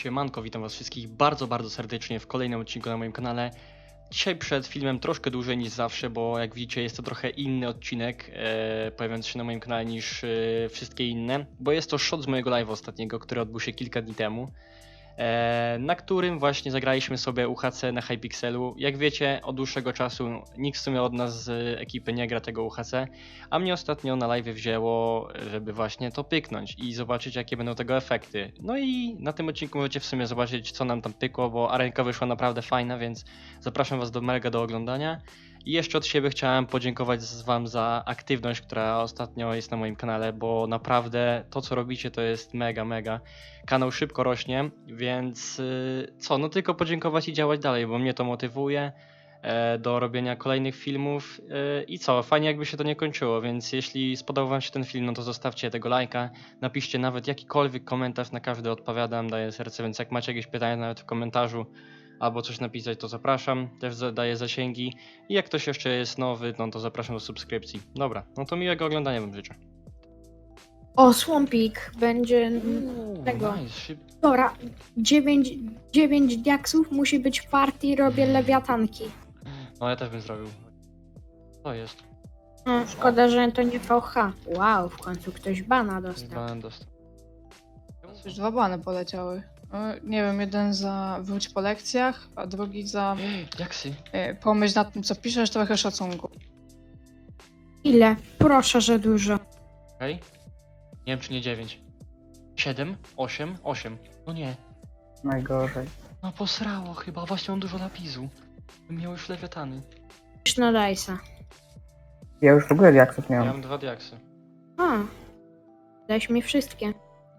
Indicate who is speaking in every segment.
Speaker 1: Siemanko, witam was wszystkich bardzo serdecznie w kolejnym odcinku na moim kanale. Dzisiaj przed filmem troszkę dłużej niż zawsze, bo jak widzicie jest to trochę inny odcinek pojawiający się na moim kanale niż wszystkie inne, bo jest to shot z mojego live'a ostatniego, który odbył się kilka dni temu, na którym właśnie zagraliśmy sobie UHC na Hypixelu. Jak wiecie, od dłuższego czasu nikt w sumie od nas z ekipy nie gra tego UHC, a mnie ostatnio na live wzięło, żeby właśnie to pyknąć i zobaczyć, jakie będą tego efekty. No i na tym odcinku możecie w sumie zobaczyć, co nam tam pykło, bo arenka wyszła naprawdę fajna, więc zapraszam was do oglądania. I jeszcze od siebie chciałem podziękować wam za aktywność, która ostatnio jest na moim kanale, bo naprawdę to, co robicie, to jest mega. Kanał szybko rośnie, więc no tylko podziękować i działać dalej, bo mnie to motywuje do robienia kolejnych filmów i fajnie jakby się to nie kończyło, więc jeśli spodobał wam się ten film, no to zostawcie tego lajka, napiszcie nawet jakikolwiek komentarz, na każdy odpowiadam, daję serce, więc jak macie jakieś pytania nawet w komentarzu albo coś napisać, to zapraszam, też daję zasięgi i jak ktoś jeszcze jest nowy, no to zapraszam do subskrypcji. Dobra, no to miłego oglądania wam życzę.
Speaker 2: O, Swampik będzie tego.
Speaker 1: Nice,
Speaker 2: Dobra, 9 diaksów musi być w partii, robię lewiatanki.
Speaker 1: No ja też bym zrobił. Co jest?
Speaker 2: No, szkoda, że to nie VH. Wow, w końcu ktoś bana dostał.
Speaker 1: Banan dostał.
Speaker 3: Już 2 bany poleciały. Nie wiem, jeden za wróć po lekcjach, a drugi za
Speaker 1: Jaksy?
Speaker 3: pomyśl nad tym, co piszesz, trochę szacunku.
Speaker 2: Ile? Proszę, że dużo.
Speaker 1: Okej. Nie wiem czy nie 9. 7? 8? 8. No nie.
Speaker 4: Najgorzej.
Speaker 1: No posrało chyba, właśnie mam dużo napisu. Bym miał już lewiatany.
Speaker 2: Już na Dice'a.
Speaker 4: Ja już w ogóle diaksów nie
Speaker 1: Ja
Speaker 4: mam.
Speaker 1: mam 2 diaksy.
Speaker 2: A, dałeś mi wszystkie.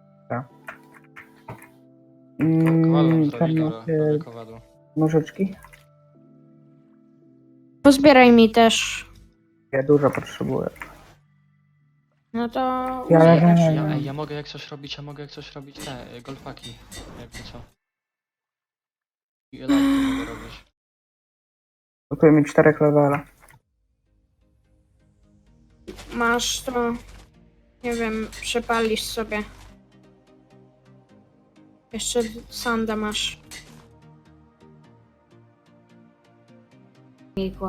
Speaker 1: Kowadłem
Speaker 4: Tam
Speaker 1: zrobić,
Speaker 4: macie
Speaker 1: dobra, kowadło.
Speaker 4: nożyczki?
Speaker 2: Pozbieraj mi też.
Speaker 4: Ja dużo potrzebuję.
Speaker 2: No to...
Speaker 4: Ja
Speaker 2: użyjesz.
Speaker 4: leżę.
Speaker 1: Ja mogę jak coś robić, te golfaki. Jakby co. I elafki mogę robić.
Speaker 4: Brakuje mi 4 levela.
Speaker 2: Masz to... Nie wiem, przepalisz sobie. Jeszcze sanda masz. Migło.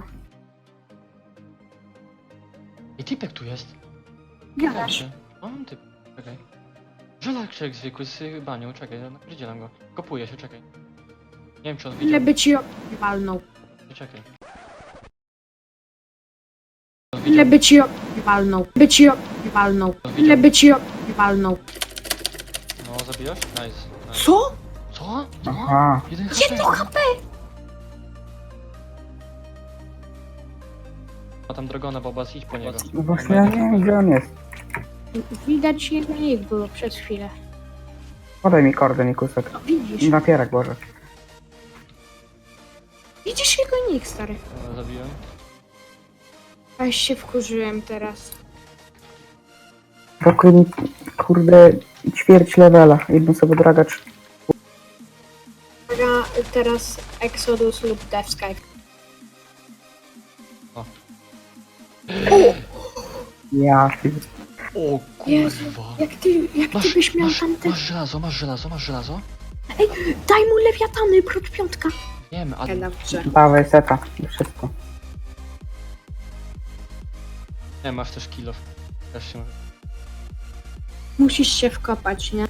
Speaker 1: I typek tu jest.
Speaker 2: Gadasz.
Speaker 1: O, mam typ. Czekaj. Żelak jak zwykły z banią, czekaj, napierdzielam go. Kopuję się, czekaj. Nie wiem czy on
Speaker 2: Ile
Speaker 1: widział.
Speaker 2: by ci walnął?
Speaker 1: Czekaj.
Speaker 2: Ile by ci walnął? Ile by ci walnął?
Speaker 1: No, zabijasz? Nice.
Speaker 2: Co?
Speaker 1: Co? Co?
Speaker 4: Aha.
Speaker 1: 1
Speaker 2: Jedno HP!
Speaker 1: Ma tam dragona, Bobas, idź po niego.
Speaker 4: No właśnie ja nie wiem gdzie on jest.
Speaker 2: Widać jego nick było przez chwilę.
Speaker 4: Podaj mi kordę, Nikusek.
Speaker 2: No, widzisz?
Speaker 4: Napierak Boże.
Speaker 2: Widzisz jego nick, stary.
Speaker 1: Zabiłem.
Speaker 2: Aż się wkurzyłem teraz.
Speaker 4: Brakuje mi, kurde, ćwierć levela. Jedną sobie dragacz.
Speaker 2: Teraz Exodus lub Death Sky.
Speaker 4: Ja
Speaker 1: O
Speaker 2: Jezu,
Speaker 1: kurwa.
Speaker 2: jak ty byś miał tamte...
Speaker 1: Masz żelazo?
Speaker 2: Daj mu lewiatany, prot piątka.
Speaker 1: Wiem, ale...
Speaker 2: Dobrze.
Speaker 4: dawaj seta. I wszystko.
Speaker 1: Nie, masz też kill-off. Też się...
Speaker 2: Musisz się wkopać, nie?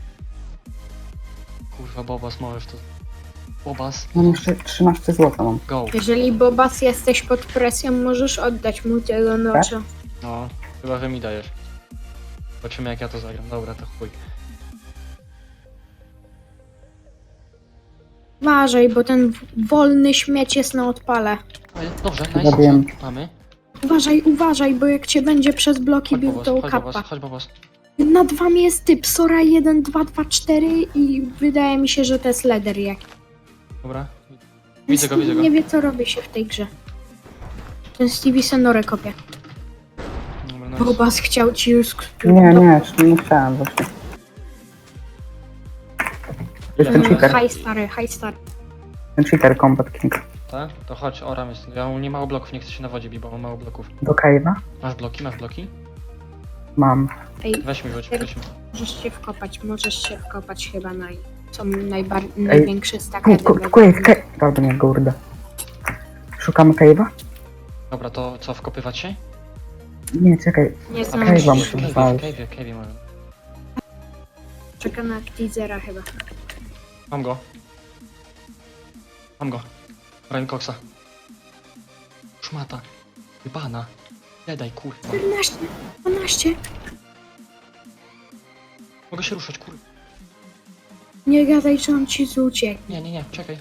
Speaker 1: Kurwa, Bobas, możesz to... Bobas,
Speaker 4: Mam jeszcze 13 zł mam.
Speaker 1: go.
Speaker 2: Jeżeli Bobas jesteś pod presją, możesz oddać mu tego nocza.
Speaker 1: No, chyba, że mi dajesz. Zobaczymy jak ja to zagram. Dobra, to chuj.
Speaker 2: Uważaj, bo ten wolny śmieć jest na odpale.
Speaker 1: Ale dobrze, nice.
Speaker 4: Zabiłem.
Speaker 1: Mamy.
Speaker 2: Uważaj, bo jak cię będzie przez bloki bił, to kappa.
Speaker 1: Chodź Bobas.
Speaker 2: Nad wami jest typ Sora 1, 2, 2, 4 i wydaje mi się, że to jest leder jakiś.
Speaker 1: Dobra. Widzę go.
Speaker 2: Nie wie co robi się w tej grze. Ten Stevie Sonorę kopie.
Speaker 1: Dobra, nice.
Speaker 2: Bobas chciał ci już...
Speaker 4: Nie chciałem właśnie. To jest ten cheater.
Speaker 2: High stary.
Speaker 4: Ten cheater Combat King.
Speaker 1: Tak? To chodź, oram jest. Ja mam nie mało bloków, nie chcę się na wodzie bić, bo mam mało bloków.
Speaker 4: Do cave'a?
Speaker 1: Masz bloki?
Speaker 4: Mam.
Speaker 2: Ej,
Speaker 1: Weź mi,
Speaker 2: możesz się wkopać chyba na... Są największe stakedy.
Speaker 4: Cave. Dobra, nie, kurde. Szukamy cave'a?
Speaker 1: Dobra, to co, wkopywać się?
Speaker 4: Nie, czekaj.
Speaker 2: Nie
Speaker 1: A
Speaker 2: znam
Speaker 4: cave'a
Speaker 2: się.
Speaker 4: musimy znaleźć.
Speaker 1: Cave'ie może.
Speaker 2: Czeka na teasera chyba.
Speaker 1: Mam go. Ryan Coxa. Szmata. Wybana. Nie daj, kurwa.
Speaker 2: 14, 12.
Speaker 1: Mogę się ruszać, kurwa.
Speaker 2: Nie gadaj, że on ci ucieknie.
Speaker 1: Nie, czekaj.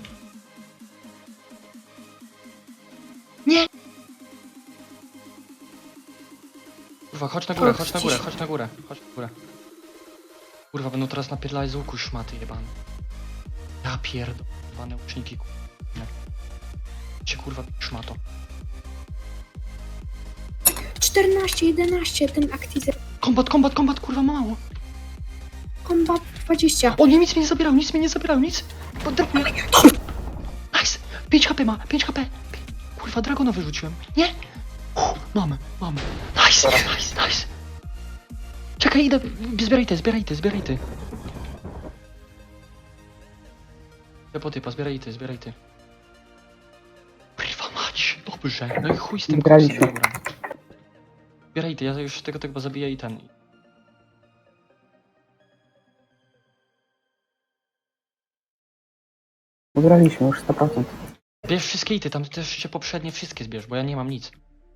Speaker 1: Kurwa, chodź na górę. Kurwa, będą teraz napierdalać z łuku szmaty jebane. Ja pierdolone łuczniki, kurwa. Cię kurwa szmato.
Speaker 2: 14, 11, ten aktizer.
Speaker 1: Kombat, kurwa, mało.
Speaker 2: Kombat 20.
Speaker 1: O, nie, nic mnie nie zabierał, nic. Drop mnie. Nice. 5 HP ma, 5 HP. Kurwa, dragona wyrzuciłem. Nie. Mamy. Nice. Czekaj, idę. Zbieraj ty. Ja po typa, zbieraj ty. Kurwa mać, dobrze. No i chuj z tym
Speaker 4: Zbieraliśmy.
Speaker 1: koksem, dobra. Zbieraj ty, ja już tego chyba zabiję i ten.
Speaker 4: Ugraliśmy już 100%.
Speaker 1: Bierz wszystkie ity, tam też się poprzednie wszystkie zbierz, bo ja nie mam nic.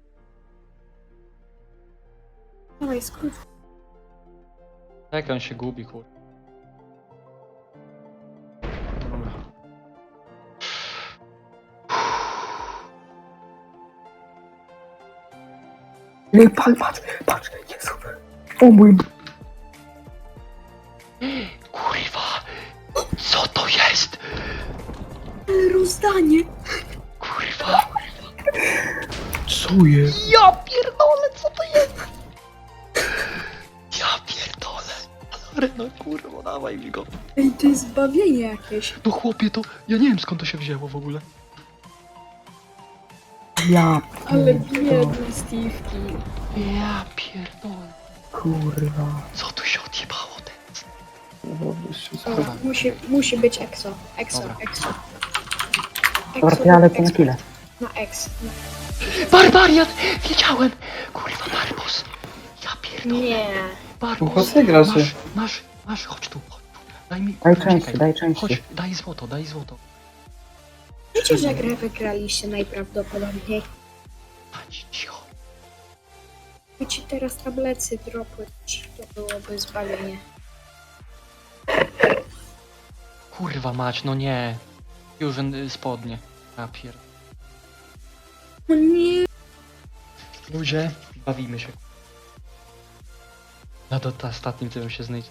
Speaker 2: Dawaj, skrót.
Speaker 1: Jak on się gubi, kur... Dobra.
Speaker 4: Nie, patrz, Jezu. O mój...
Speaker 1: Kurwa! Co to jest?
Speaker 2: Ale rozdanie.
Speaker 1: Kurwa!
Speaker 4: Co jest?
Speaker 1: Ja pierdolę, co to jest? Ja pierdolę. Ale no kurwa, dawaj mi go.
Speaker 2: Ej, to jest zbawienie jakieś.
Speaker 1: No chłopie, to... Ja nie wiem skąd to się wzięło w ogóle.
Speaker 4: Ja
Speaker 2: Ale
Speaker 4: pierdolę.
Speaker 2: biedny Steve'ki.
Speaker 1: Ja pierdolę.
Speaker 4: Kurwa.
Speaker 1: Co tu się odjebało teraz?
Speaker 2: Dobra, musi być EXO.
Speaker 1: Dobra.
Speaker 2: EXO.
Speaker 4: Dobra, ja lecę na kile.
Speaker 2: Na X.
Speaker 1: Barbarian! Wiedziałem! Kurwa, Barbos! Ja pierdolę.
Speaker 2: Nie.
Speaker 1: Barbos!
Speaker 5: Zagra się.
Speaker 1: Masz, chodź tu. Daj mi...
Speaker 4: Daj
Speaker 1: kurwa,
Speaker 4: części,
Speaker 1: czekaj.
Speaker 4: daj części.
Speaker 1: Chodź, daj złoto.
Speaker 2: Wiecie, że grę wygraliście najprawdopodobniej.
Speaker 1: Chodź, cicho.
Speaker 2: By ci teraz tablecy dropły, to byłoby zbawienie.
Speaker 1: Kurwa mać, no nie. Fusion spodnie. Ja pierd...
Speaker 2: O nie.
Speaker 1: Ludzie, bawimy się. Na ostatnim tym się znajdzie.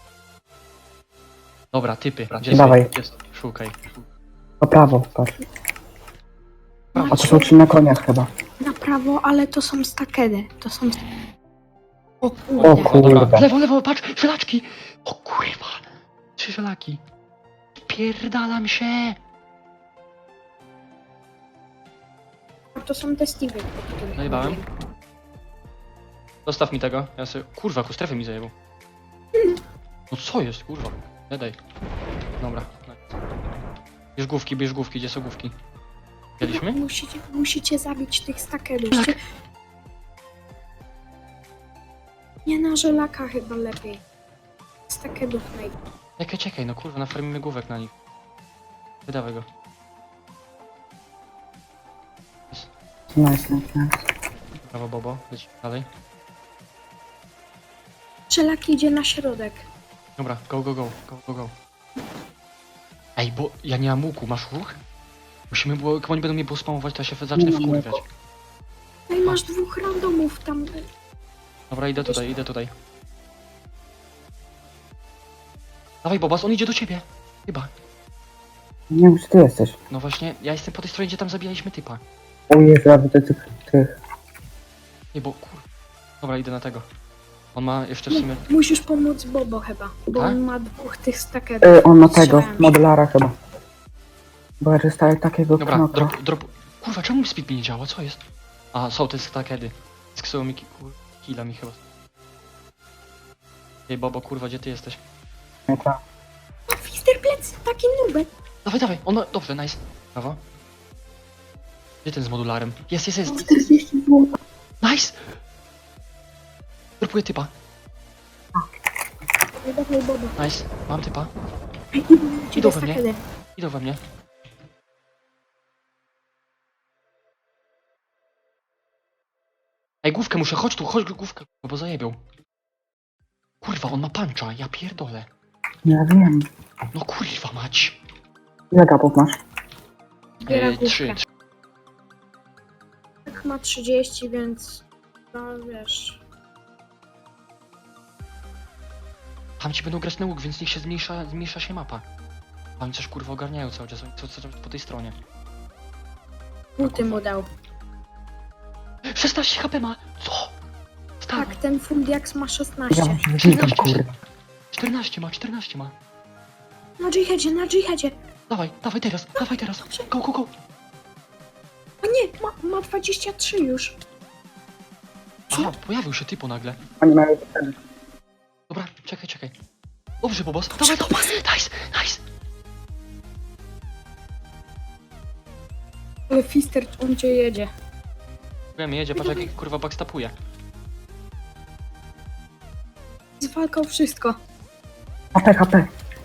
Speaker 1: Dobra, typy. Gdzie
Speaker 4: Dawaj.
Speaker 1: jest? Szukaj.
Speaker 4: Po prawo, patrz. A to
Speaker 2: Macie
Speaker 4: są ci na koniach chyba.
Speaker 2: na prawo, ale to są stakedy. To są... O
Speaker 4: O
Speaker 2: kurde.
Speaker 4: kurde.
Speaker 1: Lewo, patrz, żelaczki! O kurwa! 3 żelaki. Pierdalam się!
Speaker 2: To są te Steve'y.
Speaker 1: Zajebałem. Zostaw mi tego, ja sobie... Kurwa, ku strefy mi zajebał. No co jest, kurwa? Nie daj. Dobra. Bierz główki, gdzie są główki? Wzięliśmy?
Speaker 2: Musicie zabić tych stakedów. Nie na żelaka chyba lepiej. Stakedów
Speaker 1: Czekaj, no kurwa, nafarmimy główek na nich. Wydawaj go.
Speaker 4: Nice.
Speaker 1: Brawo, Bobo, leć dalej.
Speaker 2: Żelak idzie na środek.
Speaker 1: Dobra, go. Ej, bo ja nie mam łuku, masz łuk? Musimy, bo jak oni będą mnie spamować, to ja się zacznę wkurwiać.
Speaker 2: No i masz 2 randomów tam.
Speaker 1: Dobra, idę tutaj. Dawaj, Bobas, on idzie do ciebie. Chyba.
Speaker 4: Nie wiem, gdzie ty jesteś.
Speaker 1: No właśnie, ja jestem po tej stronie, gdzie tam zabijaliśmy typa.
Speaker 4: O Jezu, a ty tych.
Speaker 1: Nie, bo kur... Dobra, idę na tego. On ma jeszcze w sumie...
Speaker 2: Musisz pomóc Bobo chyba, bo
Speaker 1: Tak?
Speaker 2: on ma 2 tych stakedów.
Speaker 4: On ma tego,
Speaker 2: Strzelałem się.
Speaker 4: modelara chyba. Bo ja dostaję takiego
Speaker 1: Dobra,
Speaker 4: knoka.
Speaker 1: drop... Kurwa, czemu speed mi nie działa? Co jest? A, są te stakedy. Sksują mi killa mi chyba. Ej, Bobo, kurwa, gdzie ty jesteś?
Speaker 4: Nie, tak.
Speaker 2: Widzę Fister plecy, taki nubek.
Speaker 1: Dawaj, dawaj, on ma... Dobrze, nice. Brawo. Gdzie ten z modularem? Jest.
Speaker 2: 40 zł.
Speaker 1: Nice! Dropuję typa.
Speaker 2: Dawaj, Boba.
Speaker 1: Nice, mam typa.
Speaker 2: Idą
Speaker 1: we mnie. Idą we mnie. Ej, główkę muszę, chodź tu, chodź główkę, bo zajebią. Kurwa, on ma pancza, ja pierdolę.
Speaker 4: Ja wiem.
Speaker 1: No kurwa mać.
Speaker 4: Ile gapów masz?
Speaker 2: Zbiera
Speaker 1: Trzy.
Speaker 2: główkę. Tak ma 30, więc... No wiesz...
Speaker 1: Tam ci będą grać na łuk, więc niech się zmniejsza się mapa. Oni coś kurwa ogarniają cały czas, oni co po tej stronie.
Speaker 2: Buty mu dał.
Speaker 1: 16 HP ma! Co? Stary,
Speaker 2: Tak, ten Fundiax ma
Speaker 4: Ja
Speaker 2: 16.
Speaker 4: mam się wyznikam, kurde.
Speaker 1: 14 ma.
Speaker 2: Na dżihadzie.
Speaker 1: Dawaj teraz. Go.
Speaker 2: A nie, ma 23 już.
Speaker 1: Aha, pojawił się typo nagle.
Speaker 4: Oni mają wtedy.
Speaker 1: Dobra, czekaj. Dobrze, Bobos. Dawaj, nice.
Speaker 2: Ale Fister, on cię jedzie.
Speaker 1: Wiem, jedzie, patrz jak kurwa backstapuje.
Speaker 2: Zwalkał wszystko.
Speaker 4: HP.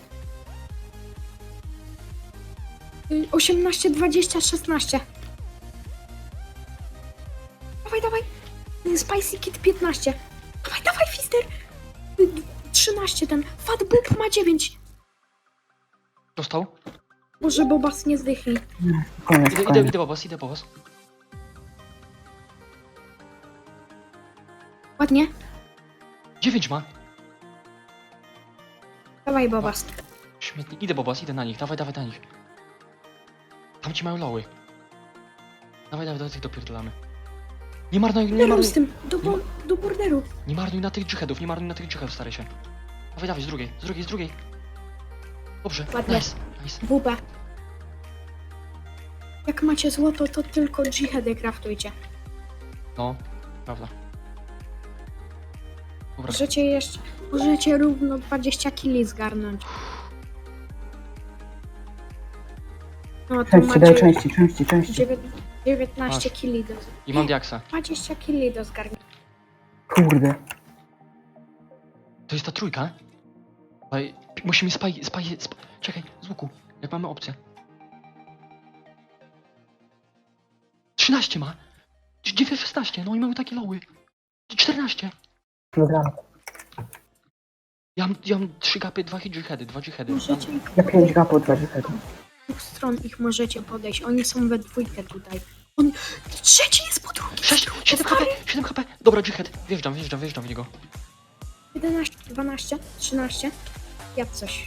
Speaker 2: 18, 20, 16. Dawaj. Spicy Kid 15. Dawaj, Fister. 13 ten. Fat Boob ma 9.
Speaker 1: Dostał?
Speaker 2: Może Bobas nie zdychnij.
Speaker 4: Koniec.
Speaker 1: Idę, Bobos.
Speaker 2: Ładnie.
Speaker 1: 9 ma.
Speaker 2: Dawaj, Bobas.
Speaker 1: Śmietnik. Idę, Bobos, idę na nich. Dawaj na nich. Tam ci mają loły. Dawaj, do tych dopierdolamy. Nie marnuj.
Speaker 2: Z tym, do borderu.
Speaker 1: Nie marnuj na tych dżihadów, staraj się. Dawaj, z drugiej. Dobrze,
Speaker 2: Ładnie.
Speaker 1: nice.
Speaker 2: WP. Jak macie złoto, to tylko dżihady kraftujcie.
Speaker 1: No, prawda. Dobra,
Speaker 2: Możecie równo 20 kili zgarnąć. No to
Speaker 4: Części, daj
Speaker 2: macie
Speaker 4: części.
Speaker 2: 19
Speaker 1: Masz.
Speaker 2: kili do...
Speaker 1: i mam diaksa.
Speaker 2: 20 kili do zgarnięcia.
Speaker 4: Kurde.
Speaker 1: To jest ta trójka? Ej, musimy czekaj, z łuku, jak mamy opcję. 13 ma! 16, no i mamy takie loły. 14.
Speaker 4: Kilogram.
Speaker 1: Ja mam 3 gapy, 2 dżihady.
Speaker 2: Możecie ich
Speaker 4: Ja 5 gapów, 20.
Speaker 2: z dwóch stron ich możecie podejść. Oni są we dwójkę tutaj. Trzeci jest po drugiej.
Speaker 1: 7 HP. Dobra, dżihad. Wjeżdżam w niego.
Speaker 2: 11, 12, 13. Ja coś.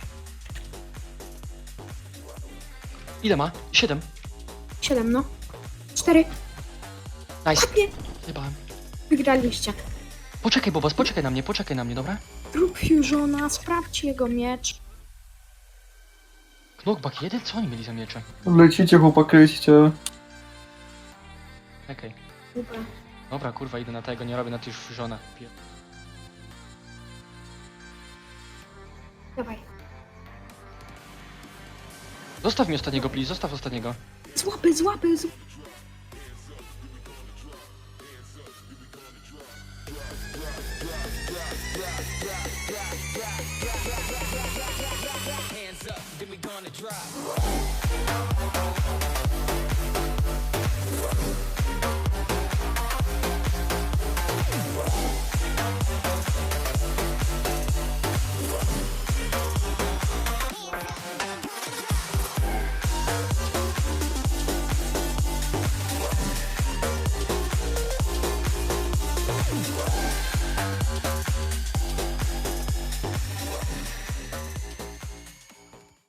Speaker 1: Ile ma? 7.
Speaker 2: 7, no. 4.
Speaker 1: Nice.
Speaker 2: Ładnie.
Speaker 1: Jebałem.
Speaker 2: Wygraliście.
Speaker 1: Poczekaj, Bobas, poczekaj na mnie, dobra?
Speaker 2: Rób Fusiona, sprawdź jego miecz.
Speaker 1: Knockback 1? Co oni mieli za miecze?
Speaker 5: Lecicie, chłopakryście.
Speaker 1: Okej.
Speaker 2: Super.
Speaker 1: Dobra, kurwa, idę na tego, nie robię na tych żona.
Speaker 2: Dawaj.
Speaker 1: Zostaw mi ostatniego, please, zostaw ostatniego.
Speaker 2: Złapy.
Speaker 6: Hands up, then we gonna drop.